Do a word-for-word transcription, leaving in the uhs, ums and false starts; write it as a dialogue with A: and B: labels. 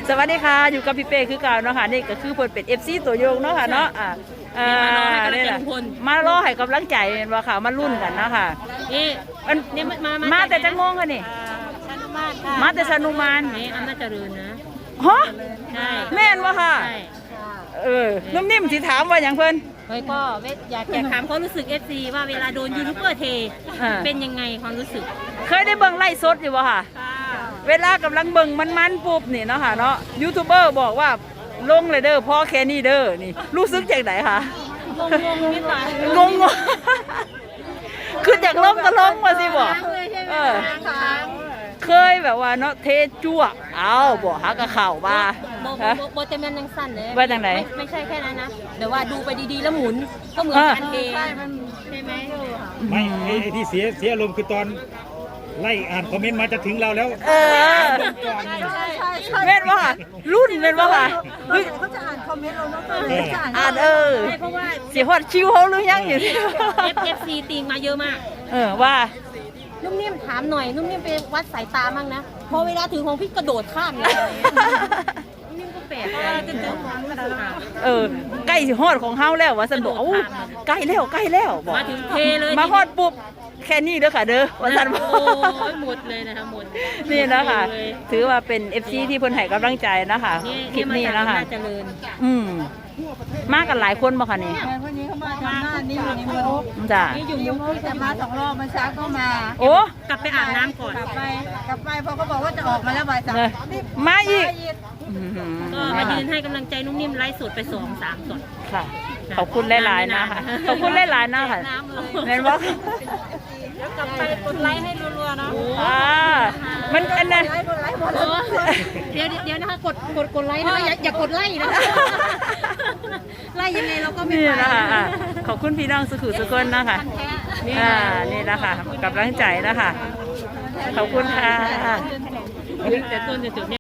A: สวัสดีค่ะอยู่กับพี่เป้คือเก่าเนาะค่ะนี่ก็คือเพิ่นเป็น เอฟ ซี ตัวยงเนาะค่ะเนาะอ่าอ่านี่แหละมารอให้กำลังใจเห็นบ่ค่ะมาลุ้นกันเนาะค่ะนี่มันนี่มามาแต่จังโมงค่ะนี่มาแต่ชานุมาน
B: นี่อำนาจเจริญนะ
A: ฮะ
B: ใช่
A: แม่นบ่ค่ะเออนุ่มนิ่มสิถามว่าหยังเพิ่น
B: เฮ้ยก็อยากอยากถามความรู้สึก เอฟ ซี ว่าเวลาโดนยูทูบเบอร์เทเป็นยังไงความรู้สึก
A: เคยได้เบิ่งไลฟ์สดอยู่บ่ค่ะเวลากำลังเบิ่งมันๆปุ๊บนี่เนาะค่ะเนาะยูทูบเบอร์บอกว่าลงเลยเด้อพ่อแค่นี้เด้อนี่รู้สึกจังไดคะ
B: งงงนิดหน่อย
A: งงงคือจากลงก็ลงมาสิบ่เออเคยแบบว่าเนาะเทจั่วเอาบ่ฮักกะเข่าบ่า
B: บ่บ่เต็มยังสั้นเลย
A: ว่าจังได
B: ไม่ใช่แค่นั้นนะเดี๋ยวว่าดูไปดีๆแล้วหมุนก็เหมือนการเทใช่ไหม
C: ไม่ไอ้ที่เสียเสียอารมณ์คือตอนไล่อ่านคอมเมนต์มาจะถึงเราแล้ว
A: เออเม่นว่ารุ่นเม่นว่าค่ะ
D: เขาจะอ่านคอมเมนต์เราเนาะจะอ่าน
A: อ่านเออ
B: เพราะว่า
A: เสียฮอดชิวเขาหรือยังอยู่ที่
B: เอฟ ซี ติงมาเยอะมาก
A: เออว่า
B: นุ่มนิ่มถามหน่อยนุ่มนิ่มไปวัดสายตามั่งนะพอเวลาถึงของพี่กระโดดข้ามเลยนิ่มก็แปลก
A: เออใกล้สิฮอดของเฮาแล้วว่าซั่นบอกโอ้ใกล้แล้วใกล้แล้วบอก
B: มาถึงเทเลย
A: มาฮอดปุ๊บแค่นี้เด้อค่ะเด้อว่าซั่นบอก
B: โอ้ยหมดเลยนะคะหมด
A: นี่นะคะถือว่าเป็น เอฟ ซี ที่เพิ่นให้กำลังใจนะคะคลิปนี้นะคะอืมมากันหลายคนบ่คะนี่
D: วันนี้เขามาทำหน้านี่อยู่ในมุก
A: จ้ะ
D: นี่อยู่ในมุกแต่มาสองรอบมาเช้าก็มา
A: โอ้
B: กลับไปอาบน้ำก่อน
D: กลับไปกลับไปพอเขาบอกว่าจะออกมาแล้วบ่ายสาม
A: มาอีก
B: ก็มายืนให้กำลังใจนุ่มนิ่มไลฟ์สดไปสองสามสด
A: ค่ะขอบคุณหลายๆนะคะขอบคุณหลายๆนะคะเห็นบ่
B: แล้วกลับไปกดไลค์ให้รัวๆเนาะ
A: อ่ามันอันนั้น
B: เดี๋ยวเดี๋ยวนะคะกดกดกดไลค์นะคะอย่าอย่ากดไล่นะไล่ยังไงเราก็ไม่ไป
A: นะคะขอบคุณพี่น้องสุขุสุขนนะคะอ่านี่นะคะกำลังใจนะคะขอบคุณค่ะ
B: แต่ต้นจะจุด